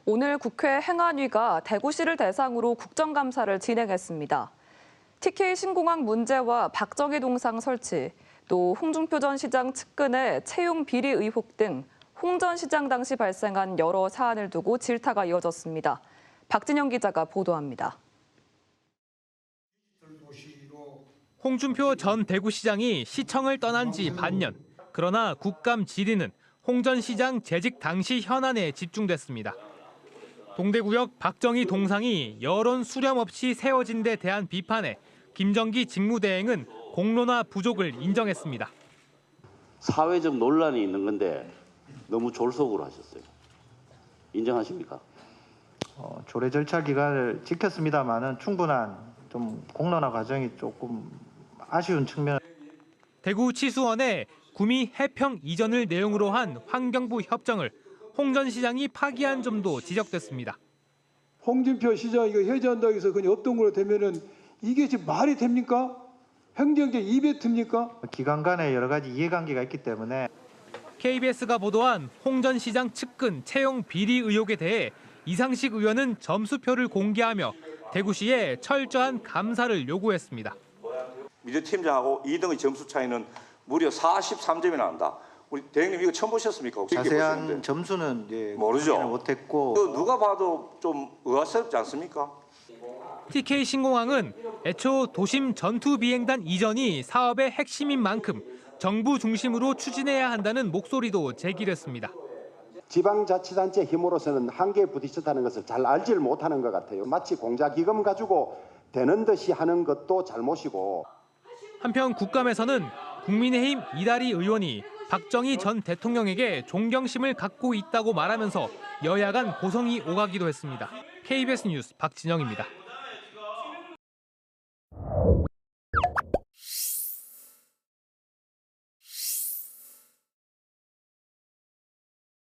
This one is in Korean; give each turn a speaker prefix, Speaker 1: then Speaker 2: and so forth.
Speaker 1: 오늘 국회 행안위가 대구시를 대상으로 국정감사를 진행했습니다. TK 신공항 문제와 박정희 동상 설치, 또 홍준표 전 시장 측근의 채용 비리 의혹 등 홍 전 시장 당시 발생한 여러 사안을 두고 질타가 이어졌습니다. 박진영 기자가 보도합니다.
Speaker 2: 홍준표 전 대구시장이 시청을 떠난 지 반년. 그러나 국감 질의는 홍 전 시장 재직 당시 현안에 집중됐습니다. 동대구역 박정희 동상이 여론 수렴 없이 세워진 데 대한 비판에 김정기 직무대행은 공론화 부족을 인정했습니다.
Speaker 3: 사회적 논란이 있는 건데 너무 졸속으로 하셨어요. 인정하십니까?
Speaker 4: 조례 절차 기간을 지켰습니다만은 충분한 좀 공론화 과정이 조금 아쉬운 측면.
Speaker 2: 대구 치수원에 구미 해평 이전을 내용으로 한 환경부 협정을 홍 전 시장이 파기한 점도 지적됐습니다.
Speaker 5: 홍준표 시장이 이거 해제한다고 해서 그냥 없던 걸로 되면은 이게 지금 말이 됩니까? 행정적 이벤트입니까?
Speaker 4: 기관 간에 여러 가지 이해관계가 있기 때문에.
Speaker 2: KBS가 보도한 홍 전 시장 측근 채용 비리 의혹에 대해 이상식 의원은 점수표를 공개하며 대구시에 철저한 감사를 요구했습니다.
Speaker 6: 미디어팀장하고 2등의 점수 차이는 무려 43점이 난다. 우리 대행님 이거 처음 보셨습니까?
Speaker 4: 자세한 점수는
Speaker 6: 모르죠.
Speaker 4: 못했고.
Speaker 6: 누가 봐도 좀 의아스럽지 않습니까?
Speaker 2: TK 신공항은 애초 도심 전투 비행단 이전이 사업의 핵심인 만큼 정부 중심으로 추진해야 한다는 목소리도 제기됐습니다.
Speaker 7: 지방자치단체 힘으로서는 한계에 부딪혔다는 것을 잘 알지를 못하는 것 같아요. 마치 공자기금 가지고 되는 듯이 하는 것도 잘못이고.
Speaker 2: 한편 국감에서는 국민의힘 이다리 의원이 박정희 전 대통령에게 존경심을 갖고 있다고 말하면서 여야 간 고성이 오가기도 했습니다. KBS 뉴스 박진영입니다.